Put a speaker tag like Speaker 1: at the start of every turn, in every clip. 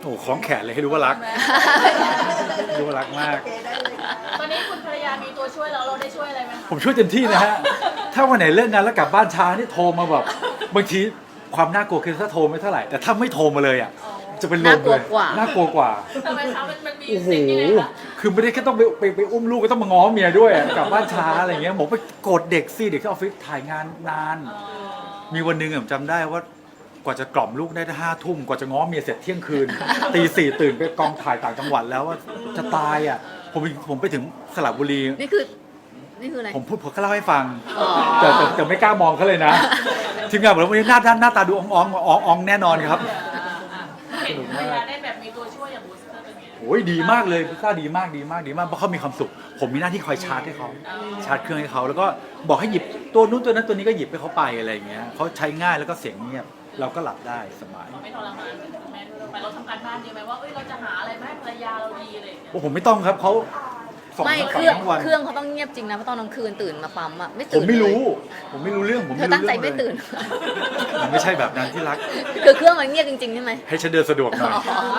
Speaker 1: โอ้คล้องแขนเลยให้รู้ว่ารักรู้ว่ารักมาก
Speaker 2: ตอนนี้คุณภรรยามีตัวช่วยแล้วเราได้ช่วยอะไรไหมคะ
Speaker 1: ผมช่วยเต็มที่นะฮะถ้าวันไหนเลิกงานแล้วกลับบ้านช้านี่โทรมาแบบบางทีความน่ากลัวคือถ้าโทรไม่เท่าไหร่แต่ถ้าไม่โทรมาเลยอ่ะจะเป็นลมเลยน่ากลัวกว่า
Speaker 2: ทำไมคะมันมี
Speaker 1: โอ้โห
Speaker 2: สิ่งยังไงคะ
Speaker 1: คือไม่ได้แค่ต้องไปอุ้มลูกก็ต้องมาง้อเมียด้วยอะกลับบ้านช้าอะไรเงี้ยผมไปโกรธเด็กสิเด็กที่ออฟฟิศถ่ายงานนาน มีวันหนึ่งผมจำได้ว่ากว่าจะกล่อมลูกได้5 ทุ่มกว่าจะง้อเมียเสร็จเที่ยงคืน ตี 4ตื่นไปกองถ่ายต่างจังหวัดแล้วว่าจะตายอ่ะผมไปถึงสระบุรี
Speaker 3: นี่คืออะไร
Speaker 1: ผมก็เล่าให้ฟัง
Speaker 3: อ๋อ
Speaker 1: แต่ไม่กล้ามองเขาเลยนะ ทีมงานบอกว่าวันนี้หน้าตาดูอ่องแน่นอนครับ
Speaker 2: เห็นภรรยาได้แบบมีตัวช่วยอย่างบูสเตอร์เป็นไง
Speaker 1: โอ้ยดีมากเลยพิซซ่าดีมากเพราะเขามีความสุข ผมมีหน้าที่คอยชาร์จให้เขาชาร์จเครื่องให้เขาแล้วก็บอกให้หยิบตัวนู้นตัวนั้นตัวนี้ก็หยิบให้เขาไปอะไรอย่างเงี้ยเขาใช้ง่ายแล้วก็เสียงเงียบเราก็หลับได้สบาย
Speaker 2: ไม่ทรมานเหมือนคุณแม่ด้วยไปเราทำการบ้านดีไหมว่าเราจะหาอะไรมาให้ภรรยาเราดีอะไรอย่างเงี้ย
Speaker 1: โอ้ผมไม่ต้องครับเขาสอน
Speaker 3: ไม่
Speaker 1: ทั้ง
Speaker 3: เครื่อง
Speaker 1: ทั้งวัน
Speaker 3: เครื่องเขาต้องเงียบจริงนะเพราะตอนกลางคืนตื่นมาปั๊มอ่ะไม่
Speaker 1: ผ
Speaker 3: ตื่
Speaker 1: ม
Speaker 3: น
Speaker 1: ไม่รู้
Speaker 3: เลย
Speaker 1: ผมไม่รู้เรื่องผม
Speaker 3: เธ
Speaker 1: ไม่
Speaker 3: อ
Speaker 1: รู้
Speaker 3: ตั้งใจ
Speaker 1: เรื่อง
Speaker 3: ไม่
Speaker 1: เลย
Speaker 3: ตื่น
Speaker 1: มันไม่ใช่แบบนั้นที่รัก
Speaker 3: คือเครื่องมันเงียบจริงๆใช่ไหม
Speaker 1: ให้ฉันเดินสะดวกหน่อย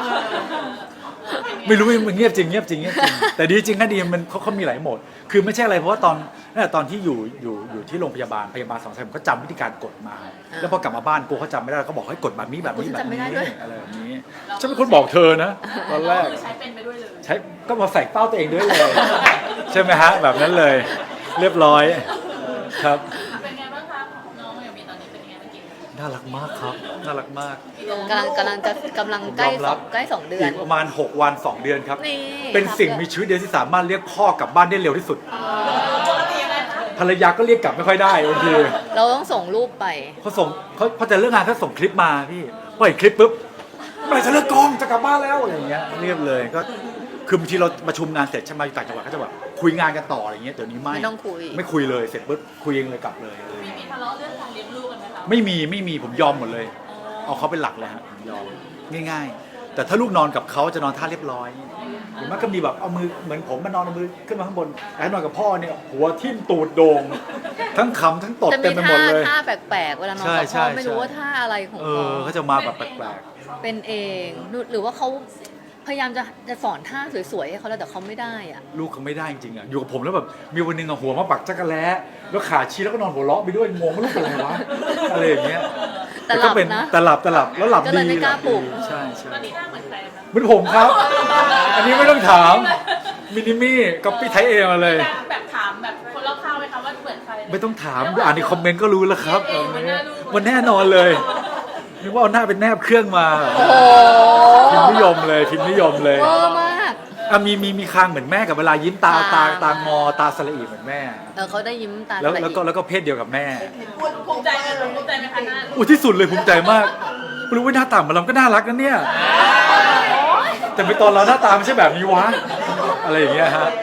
Speaker 1: ไม่รู้มันเงียบจริงแต่ดีจริงนะดีมันเขามีหลายโหมด คือไม่ใช่อะไรเพราะว่าตอนที่อยู่ที่โรงพยาบาล2 สายผมก็จำวิธีการกดมา แล้วพอกลับมาบ้านกูเขาจำไม่ได้เขาบอกให้กดแบบนี้แบบนี้แบบนี้อะไรแบบนี้ฉันเป็นคนบอกเธอนะตอนแรก
Speaker 2: คือใช้เป็นไปด้วยเลย
Speaker 1: ใช้ก็มาใส่เป้าตัวเองด้วยเลย ใช่ไหมฮะแบบนั้นเลย เรียบร้อยครับ
Speaker 2: เป็นไงบ้างคะน้องอย่างมีตอนนี้เป็นไงบ้างกิน
Speaker 1: น่ารักมากครับน่ารักมาก
Speaker 3: กำลังใกล้
Speaker 1: ยอมรับ
Speaker 3: สองเดือน
Speaker 1: อีกประมาณ6 วัน 2 เดือนครับ
Speaker 3: นี่
Speaker 1: เป็นสิ่งมีชีวิตเดียวที่สามารถเรียกพ่อกลับบ้านได้เร็วที่สุด
Speaker 2: ปกติยังไงคะ
Speaker 1: ภรรยาก็เรียกกลับไม่ค่อยได้บางที
Speaker 3: เราต้องส่งรูปไป
Speaker 1: เขาจะเลิกงานเขาส่งคลิปมาพี่พอเห็นคลิปปุ๊บเมื่อไหร่จะเลิกกองจะกลับบ้านแล้วอะไรอย่างเงี้ยเรียบเลยก็คือบางทีเราประชุมงานเสร็จใช่ไหมอยู่ต่างจังหวัดก็จะแบบคุยงานกันต่ออะไรเงี้ยเดี๋ยวนี้ไม่
Speaker 3: ไม่ต้องคุย
Speaker 1: ไม่คุยเลยเสร็จปุ๊บคุยเองเลยกลับเลย
Speaker 2: มีทะเลาะเรื่องการเลี้ยงลูกกันไหมคะ
Speaker 1: ไม่มีผมยอมหมดเลย เอาเขาเป็นหลักเลยฮะผมยอมง่ายๆ แต่ถ้าลูกนอนกับเขาจะนอนท่าเรียบร้อยหรือไม่ก็มีแบบเอามือเหมือนผมมานอนเอามือขึ้นมาข้างบนแต่นอนกับพ่อเนี่ยหัวทิ่มตูดโด่งทั้งขำทั้งตด
Speaker 3: จะ
Speaker 1: เต็
Speaker 3: มี
Speaker 1: มไปหมดเลย
Speaker 3: ท่าแปลกๆเวลานอนกับ
Speaker 1: ใช่
Speaker 3: พ่อ
Speaker 1: ใช่
Speaker 3: ไม่รู้ว่าท่าอะไรของเขา
Speaker 1: เขาจะมาแบบแปลก
Speaker 3: เป็นเองหรือว่าเขาพยายามจะสอนท่าสวยๆให้เขาแล้วแต่เขาไม่ได้อ่ะ
Speaker 1: ๆลูกเขาไม่ได้จริงๆอ่ะอยู่กับผมแล้วแบบมีวันหนึงอะหัวมาปักจักรแล้แล้วขาชี้แล้วก็นอนหัวเราะไปด้วยงงว่าลูกเป็นอะไรวะอะไรอย่างเงี้ย
Speaker 3: แต่หลับ
Speaker 1: ก็เป็น
Speaker 3: นะ
Speaker 1: แต่หลับแล้วหลับ
Speaker 3: ก็
Speaker 1: ดี
Speaker 3: เลยไม่กล้าปลุก
Speaker 1: ใช่
Speaker 2: ตอนนี้หน้าเหมือนใครคะ
Speaker 1: เหมือนผมครับ อันนี้ไม่ต้องถามมินิมี่ก๊อปปี้ไทยเองมาเลย
Speaker 2: แบบถามแบบคนรอบข้างไหมคะว่าเหมือนใคร
Speaker 1: ไม่ต้องถามอ่านในคอมเมนต์ก็รู้แล้วครับ
Speaker 2: เองมันน่ารู้
Speaker 1: มันแน่นอนเลยนึกว่าเอาหน้าเป็นแนบเครื่องมา
Speaker 3: โอ้โห
Speaker 1: พิมพ์นิยมเลย
Speaker 3: เวอร์มาก
Speaker 1: อ่ะมีคางเหมือนแม่กับเวลายิ้มตางอตาสละอีเหมือนแม่
Speaker 3: เขาได้ยิ้มตา
Speaker 1: แล้ว
Speaker 3: สะ
Speaker 1: แล้ว
Speaker 3: อิ
Speaker 1: ก็แล้วก็เพศเดียวกับแม่
Speaker 2: ภูมิใจไหมภูมิใจไหมคะหน้า
Speaker 1: อุ้ยที่สุดเลยภูมิใจมากรู้ว่าหน้าตามันเราก็น่ารักนะเนี่ยแต่ไปตอนเราหน้าตาไม่ใช่แบบนี้วะอะไรอย่างเงี้ยฮะ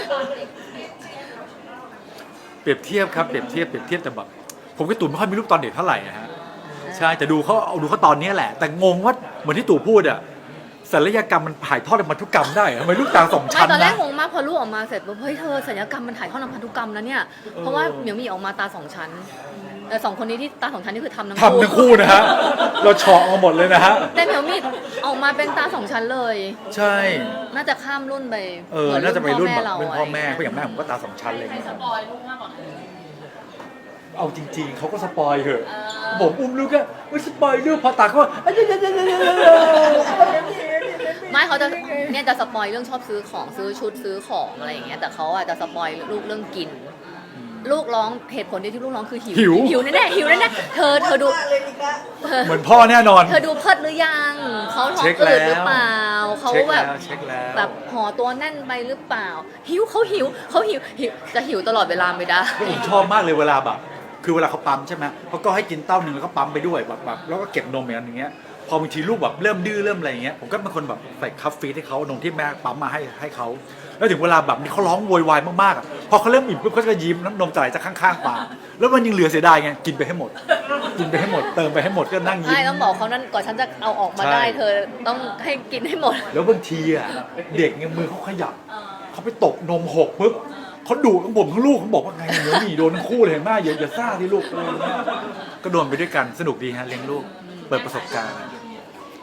Speaker 1: เปรียบเทียบครับเปรียบเทียบแต่แบบผมกับตู่ไม่ค่อยมีรูปตอนเด็กเท่าไหร่นะฮะใช่แต่ดูเขาตอนนี้แหละ แต่งงว่าเหมือนที่ตู่พูดอะศัลยกรรมมันถ่ายทอดในพันธุกรรมได้เหรอทำไมลูกตาสอง
Speaker 3: ไม่
Speaker 1: ชั้น
Speaker 3: ตอนแร
Speaker 1: นะ
Speaker 3: กงงมากพอลูกออกมาเสร็จปุ๊บเฮ้ยเธอศัลยกรรมมันถ่ายทอดทางพันธุกรรมนะเนี่ยเพราะว่าเหมียวมีออกมาตาสองชั้นแต่สองคนนี้ที่ตาสองชั้นนี่คือทำทั้ง
Speaker 1: ทำทั้งคู่นะฮะเราเฉาะมาหมดเลยนะฮะ
Speaker 3: แต่เหมียวมีออกมาเป็นตาสองชั้นเลย
Speaker 1: ใช่
Speaker 3: น่าจะข้ามรุ่นไป
Speaker 1: น่าจะไปรุ่นแบบ
Speaker 3: เรา
Speaker 1: เป็นพ่อแม่เพราะอย่างแม่ผมก็ตาสองชั้นเลย
Speaker 2: ใคร
Speaker 1: นะ
Speaker 2: ส
Speaker 1: ครับ
Speaker 2: ปอยลูกมากกว่ากัน
Speaker 1: เอาจริงๆเขาก็สปอยเหอะผมอุ้มลูกก็ไม่สปอยลูกพอตาเขาว่า
Speaker 3: ไม่เขาจะเนี่ยจะสปอยเรื่องชอบซื้อของซื้อชุดซื้อของอะไรอย่างเงี้ยแต่เขาอ่ะจะสปอยลูกเรื่องกิน ลูกร้องเหตุผลเดียวที่ลูกร้องคือหิวแน่ๆหิวแน่ๆเธอดู
Speaker 1: เหมือนพ่อแน่นอน
Speaker 3: เธอดูเพิดหรือยังเขาท้อง
Speaker 1: เช็ค
Speaker 3: อื
Speaker 1: แล้ว
Speaker 3: ดหรือเปล่าเขาแบบ
Speaker 1: เช็คแล้ว
Speaker 3: แบบห่อตัวแน่นไปหรือเปล่าหิวจะหิวตลอดเวลาไม่ได้
Speaker 1: ผมชอบมากเลยเวลาแบบคือเวลาเขาปั๊มใช่ไหมเขาก็ให้กินเต้าหนึ่งแล้วก็ปั๊มไปด้วยแบบแล้วก็เก็บนมอย่างเงี้ยพอบางทีลูกแบบเริ่มดื้อเริ่มอะไรอย่างเงี้ยผมก็เป็นคนแบบใส่คัฟฟีให้เขานมที่แม่ปั๊มมาให้เขาแล้วถึงเวลาแบบนี้เขาร้องโวยวายมากๆอ่ะพอเขาเริ่มอิ่มปุ๊บเขาจะยิ้มน้ำนมจะไหลจากข้างๆปากแล้วมันยังเหลือเสียดายไงกินไปให้หมดเติมไปให้หมดก็นั่งยิ้ม
Speaker 3: ใช่ต้องบอกเขานั่นก่อนฉันจะเอาออกมาได้
Speaker 1: ใช่
Speaker 3: เธอต้องให้กินให้หมด
Speaker 1: แล้วบางทีอ่ะเด็กเนี่ยมือเขาขยับเขาไปตกนมหกปุ๊บเขาดุทั้งผมทั้งลูกเขาบอกว่าไงเดี๋ยวหนีโดนทั้งคู่เลยเห็นไหมอย่าซ่าที่ลูกอะไรอย่างเงี้ยก็โดนไปด้วยกันสนุกดีฮะเลี้ยงลูกเปิดประสบการณ์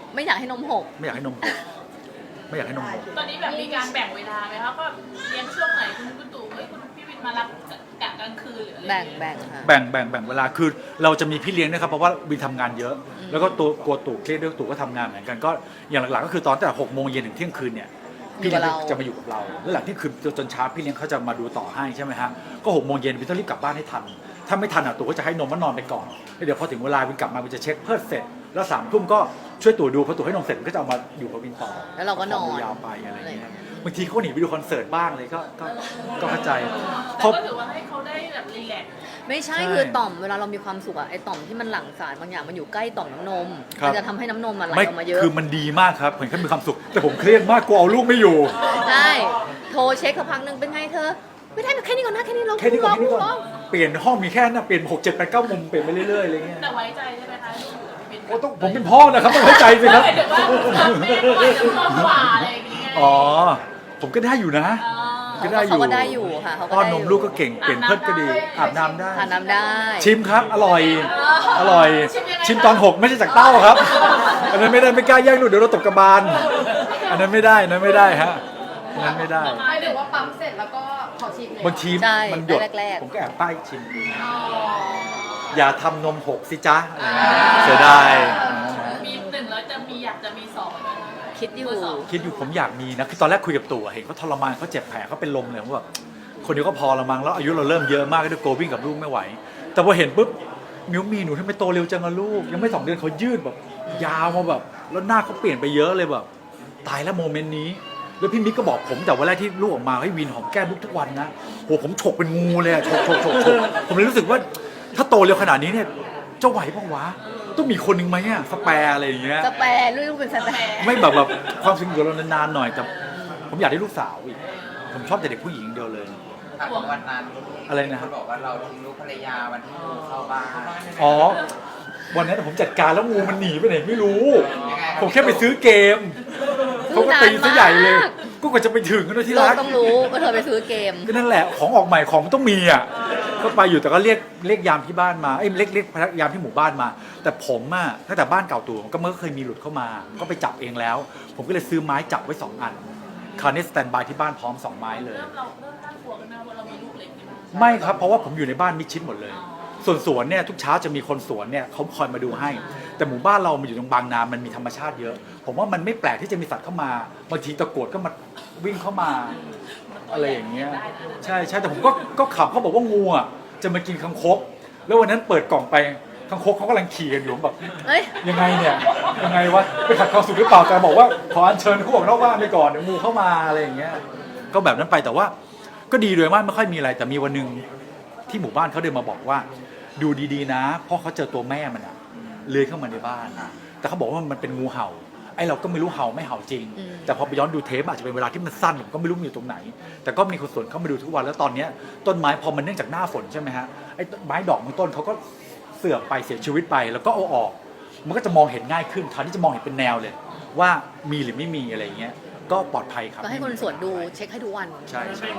Speaker 3: ไม่อยากให้นมหก
Speaker 1: ไม่อยากให้นมหกไม่อยากให้นมหก
Speaker 2: ตอนนี้แบบมีการแบ่งเวลาไหมคะก็เลี้ยงช่วงไหนคุณตู่เฮ้ยคุณพี่วินมารับกะกลางคืนหรืออะไร
Speaker 3: แบ่งค่ะ
Speaker 1: แบ่งเวลาคือเราจะมีพี่เลี้ยงนะครับเพราะว่าวินทำงานเยอะ แล้วก็ตัวกลัวตู่เครียดด้วยตู่ก็ทำงานเหมือนกันก็อย่างหลักๆก็คือตอนแต่6 โมงเย็นถึงเที่ยงคืนเนี่ยพี่เลี้ยงจะมาอยู่กับเราแล้วหลังที่คืนจนเช้าพี่เลี้ยงเขาจะมาดูต่อให้ใช่ไหมฮะก็6 โมงเย็นวินต้องรีบกลับบ้านให้ทันถ้าไม่ทันตู่ก็จะให้นมว่านอนไปก่อนแล้วเดี๋ยวพอถึงเวลาวินกลับมาวินจะเช็คเพิดเสร็จแล้ว3 ทุ่มก็ช่วยตู่ดูพอตู่ให้นมเสร็จก็จะเอามาอยู่กับวินต่อ
Speaker 3: แล้วเราก็นอน
Speaker 1: ยาวไปอะไรเงี้ยบางทีเขาหนีไปดูคอนเสิร์ตบ้างเลยก็เข้าใจเพ
Speaker 2: แต่
Speaker 1: ราะ
Speaker 2: ก็ถือว่าให้เขาได้แบบรีแลกซ์
Speaker 3: ไม่ใช่
Speaker 1: ใช่
Speaker 3: คือต่อมเวลาเรามีความสุขอะไอต่อมที่มันหลั่งสารบางอย่างมันอยู่ใกล้ต่อมน้ำนม
Speaker 1: ครับ
Speaker 3: มันจะทำให้น้ำนมมันไหล
Speaker 1: ไม่
Speaker 3: ออกมาเยอะ
Speaker 1: คือมันดีมากครับเห็นเขามีความสุข แต่ผมเครียดมากกลัวเอาลูกไม่อยู่
Speaker 3: ใช่โทรเช็คสักพักหนึ่งเป็นไงเธอ ไม่ได้แค่นี้ก่อนนะแค่นี้เรา
Speaker 1: แค่นี้ก่อนแค่นี้ก่อน
Speaker 3: ร้อง
Speaker 1: เปลี่ยนห้องมีแค่นั้นเปลี่ยน6 7 8 9 มุมเปลี่ยนไปเรื่อยๆอะไรเงี้ย
Speaker 2: แต่ไว้ใจใช่ไหมคะลูกพี่วิน
Speaker 1: โอ้ต้องผมเป็นพ่อนะครับต้องเข้าใจสิครับ
Speaker 2: หมายถึงว่าแม่ก็จะชอบกว่าอะไรอย่างเงี้ย
Speaker 1: อ๋อผมก็ได้อยู่นะ ก็ได้อยู่
Speaker 3: เขาก็ได้อยู่ค่ะเขาก็
Speaker 1: ป้อน
Speaker 3: ได้
Speaker 1: น
Speaker 3: อยู่
Speaker 1: มลูกก็เก่งเปลี่ยนเพิดก็ดีอาบน้ำได้
Speaker 3: ทานน้ำได้
Speaker 1: ชิมครับอร่อยอร่อย ชิมตอน6ไม่ใช่จากเต้าครับ อันนั้นไม่ได้ไม่กล้าแย่งลูกเดี๋ยวเราตกกระบาลอันนั้นไม่ได้อันนั้นไม่ได้ฮะอันนั้นไม่ได้
Speaker 4: หมายถึงว่าปั๊มเสร็จแล้วก็ขอชิมเลย
Speaker 1: บางที
Speaker 3: ใช่
Speaker 1: มันหยด
Speaker 3: แรกๆ
Speaker 1: ผมก็แอบป้ายชิมดู
Speaker 2: อ๋อ
Speaker 1: อย่าทำนมหกสิจ๊ะเสียดาย
Speaker 2: มี1แล้วจะมีอยากจะมี2ไหมคะ
Speaker 3: คิดอยู่
Speaker 2: เบอร์สอง
Speaker 1: คิดอยู่ผมอยากมีนะคือตอนแรกคุยกับตู่อะเห็นเขาทรมานเขาเจ็บแผลเขาเป็นลมเลยผมแบบคนเดียวก็พอละมั้งแล้วอายุเราเริ่มเยอะมากก็ด้วยโกวิ่งกับลูกไม่ไหว แต่พอเห็นปุ๊บมิวมีหนูทำไมโตเร็วจังอะลูก ยังไม่2 เดือนเขายืดแบบยาวมาแบบแล้วหน้าเขาเปลี่ยนไปเยอะเลยแบบตายแล้วโมเมนต์นี้แล้วพี่มิกก็บอกผมแต่วันแรกที่ลูกออกมาให้วินหอมแก้มลูกทุกวันนะโหผมฉกเป็นงูเลยอะฉกผมเลยรู้สึกว่าถ้าโตเร็วขนาดนี้เนี่ยจะไหวปะวะต้องมีคนหนึ่งไหมอะสแปร์อะไรอย่างเงี้ย
Speaker 3: สแปรลูกเป็นสแปร
Speaker 1: ไม่แบบความสุขอยู่กับเรานานๆหน่อยแต่ผมอยากได้ลูกสาวอีกผมชอบแต่เด็กผู้หญิงเดียวเลย
Speaker 5: ถามวันนั้น
Speaker 1: อะไรนะ
Speaker 5: คนบอกว่าเราทิ้งลูกภรรยาวันที่งูเข้าบ้าน
Speaker 1: อ๋อวันนั้นผมจัดการแล้วงูมันหนีไปไหนไม่รู้
Speaker 5: ยังไง
Speaker 1: ผมแค่ไปซื้อเกมเขาก็ตีซะใหญ่เลยก็กว่าจะไปถึงกันด้วยที่
Speaker 3: เรา
Speaker 1: รัก
Speaker 3: ต้องรู้ว่าเธอไปซื้อเกม
Speaker 1: ก็นั่นแหละของออกใหม่ของมันต้องมีอ่ะก็ไปอยู่แต่ก็เรียกยามที่บ้านมาเอ้ยเรียกพนักยามที่หมู่บ้านมา แต่ผมอ่ะตั้งแต่บ้านเก่าตัวก็เมื่อเคยมีหลุดเข้ามา ก็ไปจับเองแล้ว ผมก็เลยซื้อไม้จับไว้2 อันคราวนี้สแตนบายที่บ้านพร้อม2 ไม้เลย
Speaker 2: เริ่มน่ากลัวกันนะว่าเรามีลูกเล็กนี่มั้ย
Speaker 1: ไม่ครับเพราะว่าผมอยู่ในบ้านมิดชิดหมดเลย ส่วนสวนเนี่ยทุกเช้าจะมีคนสวนเนี่ยเขาคอยมาดูให้ แต่หมู่บ้านเรามันอยู่ตรงบางนามันมีธรรมชาติเยอะ ผมว่ามันไม่แปลกที่จะมีสัตว์เข้ามาบางทีตะกรวดก็มาวิ่งเข้ามาอะไรอย่างเงี้ยใช่แต่ผมก็ขับเขาบอกว่างูอ่ะจะมากินคังคกแล้ววันนั้นเปิดกล่องไปคังคกเขากำลังขี่กันอยู่ผมแบบ
Speaker 3: เอ้ย
Speaker 1: ยังไงเนี่ยยังไงวะไปขัดความสุขหรือเปล่าแต่บอกว่าขออัญเชิญเขาออกนอกบ้านไปก่อนเดี๋ยวงูเข้ามาอะไรอย่างเงี้ยก็แบบนั้นไปแต่ว่าก็ดีโดยมากไม่ค่อยมีอะไรแต่มีวันหนึงที่หมู่บ้านเขาเดินมาบอกว่าดูดีๆนะเพราะเขาเจอตัวแม่มันอะเลื้อยเข้ามาในบ้าน แต่เขาบอกว่ามันเป็นงูเห่าไอ้เราก็ไม่รู้เห่าไม่เห่าจริง แต่พอไปย้อนดูเทปอาจจะเป็นเวลาที่มันสั้นผมก็ไม่รู้มันอยู่ตรงไหน แต่ก็มีคนสวนเข้ามาดูทุกวันแล้วตอนเนี้ยต้นไม้พอมันเนื่องจากหน้าฝนใช่ไหมฮะไอ้ไม้ดอกบางต้นเขาก็เสื่อมไปเสียชีวิตไปแล้วก็เอาออก มันก็จะมองเห็นง่ายขึ้นคราวนี้จะมองเห็นเป็นแนวเลย ว่ามีหรือไม่มีอะไรอย่างเงี้ยก็ปลอดภัยครับ
Speaker 3: ก็ให้คนสวนดูเช็คให้ทุกวัน
Speaker 1: ใช่ใช่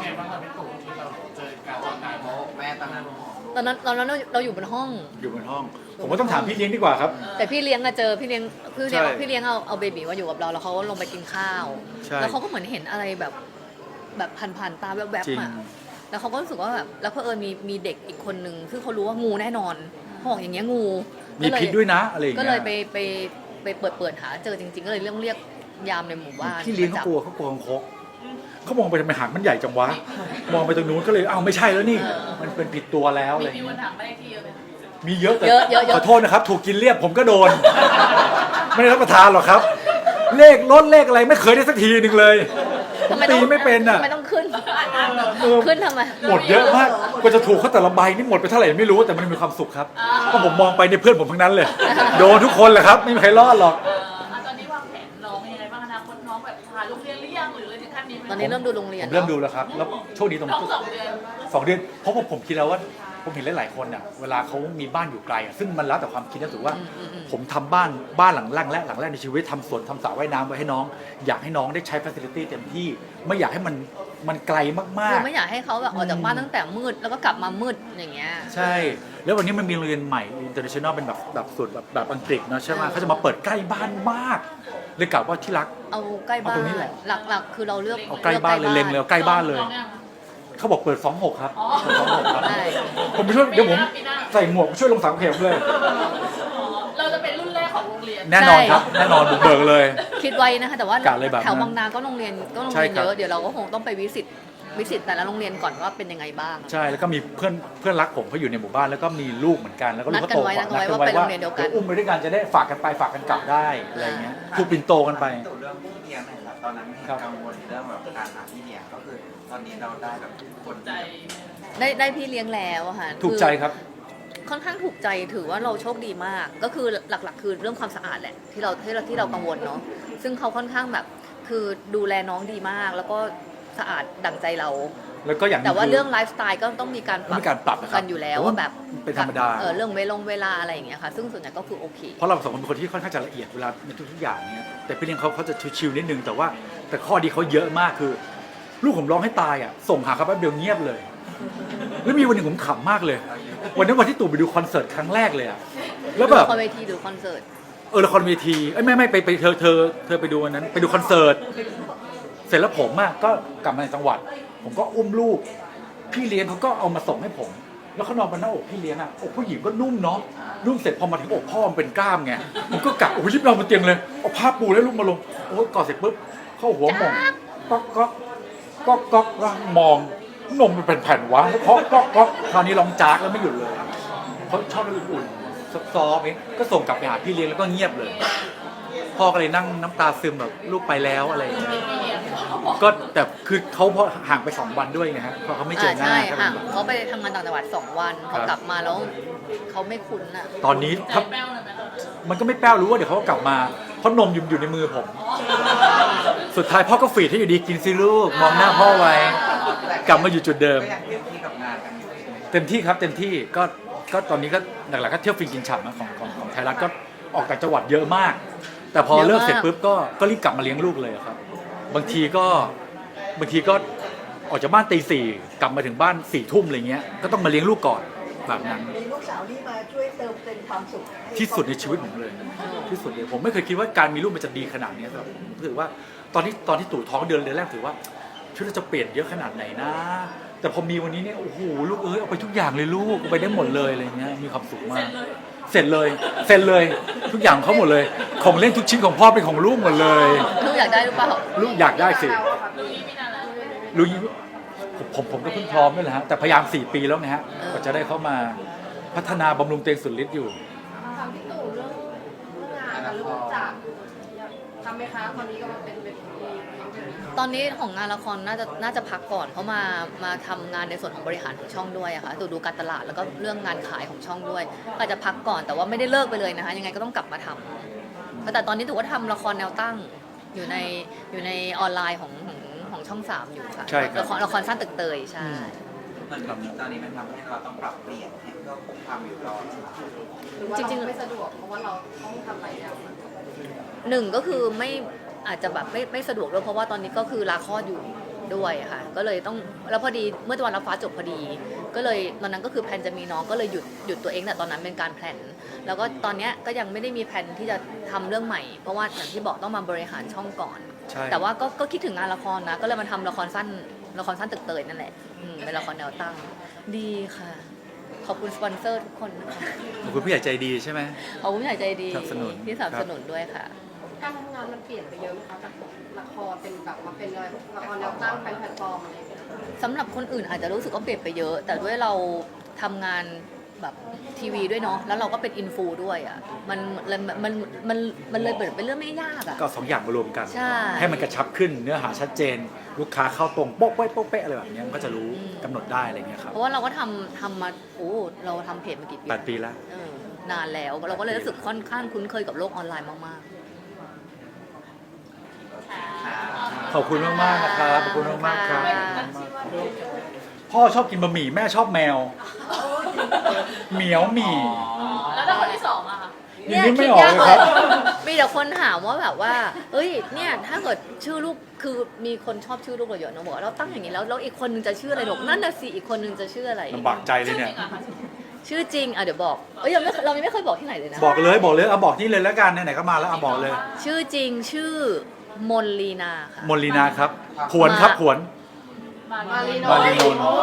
Speaker 5: โอ้แม่ตอนนั้น
Speaker 3: ตอนนั้นเราอยู่บนห้อง
Speaker 1: อยู่บนห้อง ผมก็ต้องถามพี่เลี้ยงดีกว่าครับ
Speaker 3: แต่พี่เลี้ยงอะเจอพี่เลี้ยง
Speaker 1: ใช่
Speaker 3: พี่เลี้ยงเอาเบบีมาอยู่กับเราแล้วเขาก็ลงไปกินข้าว
Speaker 1: ใช่
Speaker 3: แล้วเขาก็เหมือนเห็นอะไรแบบผ่านๆตาแวบ
Speaker 1: จริง
Speaker 3: ๆอะแล้วเขาก็รู้สึกว่าแบบแล้วเผอิญมีเด็กอีกคนนึงซึ่งเขารู้ว่างูแน่นอนเขาบอกอย่างเงี้ยงู
Speaker 1: มีพิษด้วยนะอะไรอย่าง
Speaker 3: ก็
Speaker 1: เงี้ย
Speaker 3: เลยไปเปิดหาเจอจริง ๆ ก็เลยเรียกยามในหมู่บ้าน
Speaker 1: พี่เลี้ยง
Speaker 3: มาจับ
Speaker 1: เขากลัวคังคกเขามองไปทำไมหางมันใหญ่จังวะมองไปตรงนู้นก็เลยอ้าวไม่ใช่แล้วนี่ มันเป็นผิดตัวแล้วอะไรอย่าง
Speaker 2: มี
Speaker 1: เงี้
Speaker 2: วั
Speaker 1: ย
Speaker 2: นถามไม่ได้ที่เยอะเลย
Speaker 1: มีเยอะแต่
Speaker 3: เยอะ
Speaker 1: ขอโทษนะครับถูกกินเรียบผมก็โดน ไม่ได้รับประทานหรอกครับ เลขลดเลขอะไรไม่เคยได้สักทีหนึ่งเลยผมตีไม่เป็นอ่ะ
Speaker 3: ทำไมต้องขึ้น
Speaker 1: เออ
Speaker 3: ขึ้นทำไม
Speaker 1: หมดเยอะมากกว่าจะถูกเขาแต่ละใบนี่หมดไปเท่าไหร่ไม่รู้แต่มันมีความสุขครับเพราะผมมองไปในเพื่อนผมทั้งนั้นเลย โดนทุกคนแหละครับไม่มีใครรอดหรอก
Speaker 2: ตอนนี้วางแผนน้องยังไงบ้างอนาคตน้องแบบพาลูกเรียนหรือยังหรือเลยถึงขั้นนี้ไหม
Speaker 3: ตอนนี้เริ่มดูโรงเรีย
Speaker 1: ผ
Speaker 3: น
Speaker 1: มเริ่มดูแล้วครับแล้วโชคดีตรง
Speaker 2: น้อง2 เดือน
Speaker 1: 2 เดือนเพราะว่าผมคิดแล้วว่าผมเห็นหลายๆคนอ่ะเวลาเขามีบ้านอยู่ไกลอ่ะซึ่งมันแล้วแต่ความคิดนะถือว่า ผมทำบ้านหลังแรกในชีวิตทำสวนทำสระว่ายน้ำไว้ให้น้อง อยากให้น้องได้ใช้ฟัซิลิตี้เต็มที่ไม่อยากให้มันไกลมาก
Speaker 3: คือไม่อยากให้เขาแบบออกจากบ้านตั้งแต่มืดแล้วก็กลับมามืดอย่างเงี้ย
Speaker 1: ๆ ใช่ แล้ววันนี้มันมีโรงเรียนใหม่ international เป็นแบบสูตรแบบอังกฤษเนาะใช่ไหมเขาจะมาเปิดใกล้บ้านมากเลยกล่าวว่าที่รัก
Speaker 3: เอาใกล้บ้า
Speaker 1: เอาตร
Speaker 3: น
Speaker 1: งนี้แหละ
Speaker 3: หลักๆ คือเราเลือก
Speaker 1: เอาใกล้บ้านเลยเล็งเลยเอาใกล้บ้านเลย
Speaker 2: ลองยัง
Speaker 1: เขาบอกเปิด 26 ครับ
Speaker 2: อ๋อ
Speaker 1: เปิด26 ครับ
Speaker 3: ใช่
Speaker 1: ผมไปช่วยเดี๋ยวผม
Speaker 2: ปีหน้า
Speaker 1: ใส่หมวกช่วยลงสังเขปเลย
Speaker 2: อ๋อเราจะเป็นรุ่นแรกของโรงเรียน
Speaker 1: แน่นอนครับแน่นอนบุกเบิกเลย
Speaker 3: คิดไว้นะคะแต่ว่าก
Speaker 1: ะเลยแบบนั้น
Speaker 3: แถวบางนาก็โรงเรียน
Speaker 1: ใช่ครับ
Speaker 3: เยอะเดี๋ยวเราก็คงต้องไปวิสิตแต่ละโรงเรียนก่อนว่าเป็นยังไงบ้าง
Speaker 1: ใช่แล้วก็มีเพื่อนรักผมเขาอยู่ในหมู่บ้านแล้วก็มีลูกเหมือนกันแล้วก็ลูกเขาโตกว่า
Speaker 3: นัดกันไว้ว่าไปโรงเรียนเดียวกัน
Speaker 1: อุ้มไปด้วยกันจะได้ฝากกันไปฝากกันกลับได้อะไรเงี้ยผูกปิ่นโตกันไป
Speaker 5: ตู่เรื่องพี่เลี้ยงหนะครับตอนนั้นเห็น
Speaker 1: ครับ
Speaker 5: กังวลเรื่องแบบการหาพี่เลี้ยงก็คือตอนนี้เราได้แบบคน
Speaker 2: ใจ
Speaker 3: ได้พี่เลี้ยงแล้วอะค่ะ
Speaker 1: ถูกใจครับ
Speaker 3: ค่อนข้างถูกใจถือว่าเราโชคดีมาก ก็คือหลักๆ คือเรื่องความสะอาดแหละที่เรากังวลเนาะซึ่งเขาค่อนข้างแบบคือดูแลน้องดีมาก แล้วก็สะอาดดั่งใจเรา
Speaker 1: แล้วก็อย่างหนึ่
Speaker 3: แต่ว่า
Speaker 1: คื
Speaker 3: เรื่องไลฟ์สไตล์ก็ต้องมีการ
Speaker 1: มีการปรับนะครับ
Speaker 3: กันอยู่แล้วว่าแบบ
Speaker 1: เป็นธรรมดา
Speaker 3: เรื่องเวลาอะไรอย่างเงี้ยค่ะซึ่งส่วนใหญ่ก็คือโอเค
Speaker 1: เพราะเราสองคนเป็นคนที่ค่อนข้างจะละเอียดเวลาในทุกๆอย่างเนี้ยแต่พี่เลี้ยงเขาจะชิวๆนิดนึงแต่ข้อดีเขาเยอะมากคือ ลูกผมร้องให้ตายอ่ะส่งหาเขาแป๊บเดียวเงียบเลย แล้วมีวันหนึ่งผมขำมากเลย วันนั้นวันที่ตู่ไปดูคอนเสิร์ตครั้งแรกเลยอ่ะแล้วแบบ
Speaker 3: ละครเวทีหรือคอนเสิร์ต
Speaker 1: ละครเวทีไม่ไปเธอไปดูวันนั้นไปดูคอนเสิร์ตเสร็จแล้วผมอ่ะก็กลับมาในจังหวัด ผมก็อุ้มลูกพี่เลี้ยงเขาก็เอามาส่งให้ผม แล้วเขานอนบนหน้าอกพี่เลี้ยงอ่ะอกผู้หญิงก็นุ่มเนาะนุ่มเสร็จพอมาถึงอกพ่อมันเป็นกล้ามไงผมก็กะโอ้ยยิบเราบนเตียงเลยเอาผ้าปูแล้วลูกมาลงโอ้ยกอดเสร็จปุ๊บเข้าหัวมองก็มองนมมันเป็นแผ่นวะแล้วก็คราวนี้ร้องจากแล้วไม่หยุดเลยเขาชอบอุ่นๆซอฟๆเองก็ส่งกลับไปหาพี่เลี้ยงแล้วก็เงียบเลย พ่อก็เลยนั่งน้ำตาซึมแบบลูกไปแล้วอะไรอย่างเงี้ยก็แต่คือเขาพอห่างไป2 วันด้วยไงฮะเพราะเขาไม่เจอหน้า
Speaker 3: ใช่
Speaker 1: ก็
Speaker 3: ค่ะ
Speaker 1: เลย
Speaker 3: เขาไปทำงานต่างจังหวัด2 วันพอกลับมาแล้วเขาไม่คุ้นอ่ะ
Speaker 1: ตอนนี้
Speaker 2: ใจ
Speaker 1: ถ้า
Speaker 2: แป้วเลยไหมคะ
Speaker 1: มันก็ไม่แป้วรู้ว่าเดี๋ยวเขาก็กลับมาเพราะนมอยู่ในมือผม สุดท้ายพ่อก็ฟีดให้อยู่ดีกินซิลูกมองหน้าพ่อไว้ กลับมาอยู่จุดเดิม
Speaker 5: ก็ยังเต็มที่กับงานกันอยู่ใช่ไหม
Speaker 1: เต็มที่ครับเต็มที่ก็ตอนนี้ก็หลักๆก็เที่ยวฟินกินฉ่ำนะของไทยรัฐก็ออกต่างจังหวัดเยอะมาก แต่พอ
Speaker 3: เยอะมาก
Speaker 1: เลิกเสร็จปุ๊บก็รีบกลับมาเลี้ยงลูกเลยครับบางทีก็ออกจากบ้านตี 4กลับมาถึงบ้าน4 ทุ่มอะไรเงี้ยก็ต้องมาเลี้ยงลูกก่อนแบบนั้น
Speaker 6: มีลูกสาวที่มาช่วยเติมเต็มความสุขให้
Speaker 1: ที่สุดในชีวิตผมเลย ที่สุดเลยผมไม่เคยคิดว่าการมีลูกมันจะดีขนาดนี้ครับผมรู้สึกว่าตอนที่ตู่ท้องเดือนแรกถือว่าชีวิตเราจะเปลี่ยนเยอะขนาดไหนนะ แต่พอมีวันนี้เนี่ยโอ้โหลูกเอาไปทุกอย่างเลยลูกเอาไปได้หมดเลยอะไรเงี้ยมีความสุขมากเสร็จเลยทุกอย่างของเขาหมดเลยของเล่นทุกชิ้นของพ่อเป็นของลูกหมดเลย
Speaker 3: ลูกอยากได้หรือเปล่า
Speaker 1: ลูกอยากได้สิ
Speaker 2: ดูนี้ไม่นานแล้ว
Speaker 1: ลูกผมก็เพิ่งพร้อมนี่แหละฮะแต่พยายาม4 ปีแล้วไงฮะกว่าจะได้เข้ามาพัฒนาบำรุงเตียงสุดฤทธิ์อยู่
Speaker 4: ถามพี่ตู่เรื่องงานกับเรื่องจากทำไหมคะตอนนี้ก็มาเป็นที่
Speaker 3: ตอนนี้ของงานละครน่าจะพักก่อนเพราะมาทำงานในส่วนของบริหารของช่องด้วยอะค่ะดูการตลาดแล้วก็เรื่องงานขายของช่องด้วยก็อาจจะพักก่อนแต่ว่าไม่ได้เลิกไปเลยนะคะยังไงก็ต้องกลับมาทำแต่ตอนนี้ถือว่าทำละครแนวตั้งอยู่ในออนไลน์ของช่อง 3อยู่ค่ะ
Speaker 1: ใช่ครับ
Speaker 3: ละครสั้นตึกเตยใช่
Speaker 5: เหมือนกับตอนนี้มันทำให้เราต้องปรับเปลี่ยนให้ก็คงทำอยู่รอ
Speaker 4: หรือว่าเราไม่สะดวกเพราะว่าเราต้องทำหลายอย่าง
Speaker 3: หนึ่งก็คืออาจจะแบบไม่สะดวกด้วยเพราะว่าตอนนี้ก็คือลาคลอดอยู่ด้วยค่ะก็เลยต้องแล้วพอดีเมื่อวันรับฟ้าจบพอดี ก็เลยตอนนั้นก็คือแพลนจะมีน้องก็เลยหยุดตัวเองแต่ตอนนั้นเป็นการแพลนแล้วก็ตอนเนี้ยก็ยังไม่ได้มีแพลนที่จะทำเรื่องใหม่ เพราะว่าอย่างที่บอกต้องมาบริหารช่องก่อน
Speaker 1: ใช่
Speaker 3: แต่ว่าก็คิดถึงงานละครนะก็เลยมาทำละครสั้นตึกเตยนั่นแหละเป็นละครแนวตั้งดีค่ะขอบคุณสปอนเซอร์ทุกคนนะคะ
Speaker 1: ขอบคุณผู้ใหญ่ใจดีใช่ไหม
Speaker 3: ขอบคุณผู้ใหญ่ใจดี
Speaker 1: สนับสนุน
Speaker 3: ที่สนับสนุนด้วยค่ะ
Speaker 4: การทำงานมันเปลี่ยนไปเยอะไหมคะจากละครเป็นแบบมาเป็นละครแนวตั้งเป็นแพลตฟอร์มอะไรอย่างเงี้ย
Speaker 3: สำหรับคนอื่นอาจจะรู้สึกว่าเปลี่ยนไปเยอะ แต่ด้วยเราทำงานแบบทีวีด้วยเนาะแล้วเราก็เป็นอินฟูด้วยอ่ะมันเลยเป็นเรื่องไม่ยากอ่ะ
Speaker 1: ก็2 อย่างมารวมกัน
Speaker 3: ใช่
Speaker 1: ให้มันกระชับขึ้นเนื้อหาชัดเจน ลูกค้าเข้าตรงโป๊ะเป๊ะโป๊ะเป๊ะอะไรแบบเนี้ยมันก็จะรู้กำหนดได้อะไรเงี้ยครับ
Speaker 3: เพราะว่าเราก็ทำมาเราทำเพจมากี่ปี
Speaker 1: 8 ปีแล้ว
Speaker 3: นานแล้วเราก็เลยรู้สึกค่อนข้างคุ้นเคยกับโลกออนไลน์มาก
Speaker 1: ขอบคุณมากๆนะครับขอบคุณมากๆครับ พ่อชอบกินบะหมี่แม่ชอบแมว
Speaker 3: ๆ
Speaker 1: เหมียวหมี่
Speaker 2: แล้วถ้าคนที่สองอะค่ะ
Speaker 1: ยังนึกไม่ออกเลยครับ
Speaker 3: มีแต่คนถามว่าแบบว่า เอ้ย เนี่ยถ้าเกิดชื่อลูกคือมีคนชอบชื่อลูกเราเยอะนะบอกว่าเราตั้งอย่างนี้แล้วอีกคนนึงจะชื่ออะไรหรอกนั่นน่ะสิอีกคนนึงจะชื่ออะไร
Speaker 1: ลำบากใจเลยเนี่ย
Speaker 3: ชื่อจริงอ่ะเดี๋ยวบอกยังไม่เรายังไม่เคยบอกที่ไหนเลยนะ
Speaker 1: บอกเลยเอาบอกนี่เลยแล้วกันไหนๆก็มาแล้วเอาบอกเลย
Speaker 3: ชื่อจริงชื่อมนลีนาค่ะ
Speaker 1: มนลีนาครับผวนครับผวน
Speaker 2: มารีโน
Speaker 1: มารีนนท์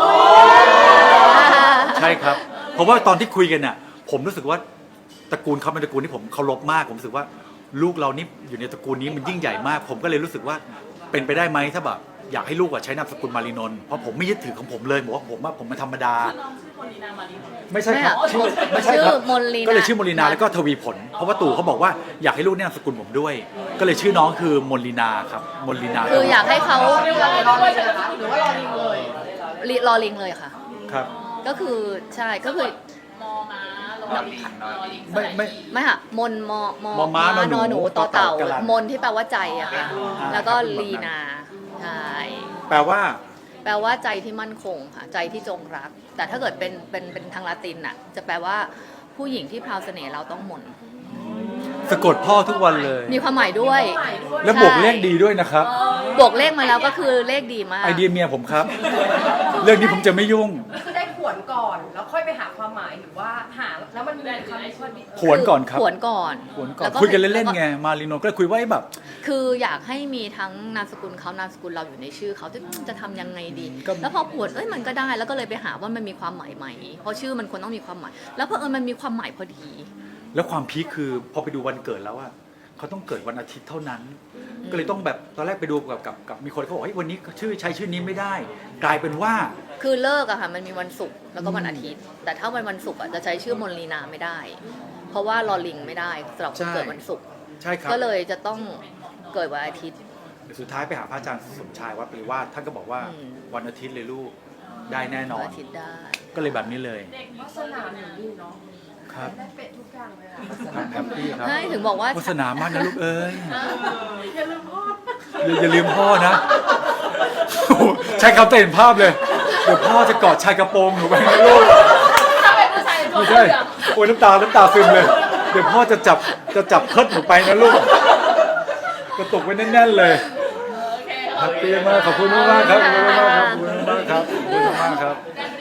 Speaker 1: ใช่ครับเพราะว่าตอนที่คุยกันเนี่ยผมรู้สึกว่าตระกูลเขาเป็นตระกูลที่ผมเคารพมากผมรู้สึกว่าลูกเรานี่อยู่ในตระกูลนี้มันยิ่งใหญ่มาก ผมก็เลยรู้สึกว่าเป็นไปได้ไหมถ้าแบบอยากให้ลูกใช้นามสกุลมารีนนท์เพราะผมไม่ยึดถือของผมเลยบอกว่าผมเป็นธรรมดา
Speaker 2: น้องชื่อคนนีนามารีโนนท์
Speaker 1: ไม่ใช่ครับ
Speaker 3: ไม่
Speaker 1: ชื่อไม่ใช่ครับ
Speaker 3: ชื่อมนลีนา
Speaker 1: ก็เลยชื่อมนลีนาแล้วก็ทวีผล เพราะว่าตู่เขาบอกว่าอยากให้ลูกเนี่ยนามสกุลผมด้วย ก็เลยชื่อน้องคือมนลีนาครับมนลีนา
Speaker 3: คืออยากให้เขา
Speaker 4: เรียกว่ารอลิงเลยนะคะหรือว่ารอลิงเลย
Speaker 3: รอลิงเลยค่ะ
Speaker 1: ครับ
Speaker 3: ก็คือใช่ก็คือ
Speaker 2: มอม้าลอลิงลอลิง
Speaker 1: ไม่
Speaker 3: ไม่ค่ะมนม
Speaker 1: มอม้านอหนู
Speaker 3: ต่อเต่า
Speaker 1: ต่อเต่ากะลัน
Speaker 3: มนที่แปลว่าใจอะค่ะ แล้วก็ลีนาใช่
Speaker 1: แปลว่า
Speaker 3: แปลว่าใจที่มั่นคงค่ะใจที่จงรัก แต่ถ้าเกิดเป็นทางลาตินน่ะจะแปลว่าผู้หญิงที่พราวเสน่ห์เราต้องมน
Speaker 1: สะกดพ่อทุกวันเลย
Speaker 3: มีความหมายด้วย
Speaker 1: แล้วบวกเลขดีด้วยนะครับ
Speaker 3: บวกเลขมาแล้วก็คือเลขดีมาก
Speaker 1: ไอเดียเมียผมครับ เรื่องนี้ผมจะไม่ยุ่ง
Speaker 4: คือได้ขวนก่อนแล้วค่อยไปหาความหมายหรือว่าหาแล้วมันมีคำพอดี
Speaker 1: ขวนก่อนครับ
Speaker 3: ขวนก่อน
Speaker 1: ขวนก่อน
Speaker 3: แล้ว
Speaker 1: คุยกันเล่นๆไงมารีโนก็เลยคุยว่าแบบ
Speaker 3: คืออยากให้มีทั้งนามสกุลเขานามสกุลเราอยู่ในชื่อเขาจะทำยังไงดี
Speaker 1: ก็
Speaker 3: แล้วพอขวนมันก็ได้แล้วก็เลยไปหาว่ามันมีความหมายไหมเพราะชื่อมันควรต้องมีความหมาย แล้วเพอมันมีความหมายพอดี
Speaker 1: แล้วความพีคคือพอไปดูวันเกิดแล้วอะเขาต้องเกิดวันอาทิตย์เท่านั้น ก็เลยต้องแบบตอนแรกไปดูกับมีคนเขาบอกเฮ้ยวันนี้ใช้ชื่อนี้ไม่ได้ กลายเป็นว่า
Speaker 3: คือเลิกอะค่ะมันมีวันศุกร์แล้วก็วันอาทิตย์ แต่ถ้าวันศุกร์อะจะใช้ชื่อมนลีนาไม่ได้ เพราะว่าลอลิงไม่ได้สำหรับคนเกิดวันศุกร์
Speaker 1: ใช่ครับ
Speaker 3: ก็เลยจะต้องเกิดวันอาทิตย์
Speaker 1: สุดท้ายไปหาพระอาจารย์สมชายวัดปริวาสท่านก็บอกว่า
Speaker 3: อืม
Speaker 1: วันอาทิตย์เลยลูกได้แน่นอ
Speaker 3: วัน นอาทิตย์ได้
Speaker 1: ก็เลยแบบนี้เลย
Speaker 4: วาสนาหนูนิ่มเนาะ
Speaker 1: ครับ
Speaker 4: ได้เป็ดทุกอย่างเลยอะ
Speaker 1: ครับแฮปปี้ครับ
Speaker 3: ใช่ถึงบอกว่า
Speaker 1: โฆษณามากนะลูกเอ้ย
Speaker 4: อย่าลืมพ่อ
Speaker 1: อย่าลืมพ่อนะโอ้โหใช้คำเห็นภาพเลย เดี๋ยวพ่อจะกอดชายกระโปรงหนูไปนะลูก
Speaker 2: ถ้าเป็นผู้ชายตัว
Speaker 1: ไม่
Speaker 2: เห
Speaker 1: ใช่
Speaker 2: ลือง
Speaker 1: โอ้ยน้ำตาซึมเลย เดี๋ยวพ่อจะจับเพิดหนูไปนะลูกกระตุกไว้แน่นๆเลย
Speaker 2: โอเค
Speaker 1: แฮปปี้มากขอบคุณมากครับขอบคุณมากครับขอบคุณมากครับขอบคุณมากครับ
Speaker 2: ได้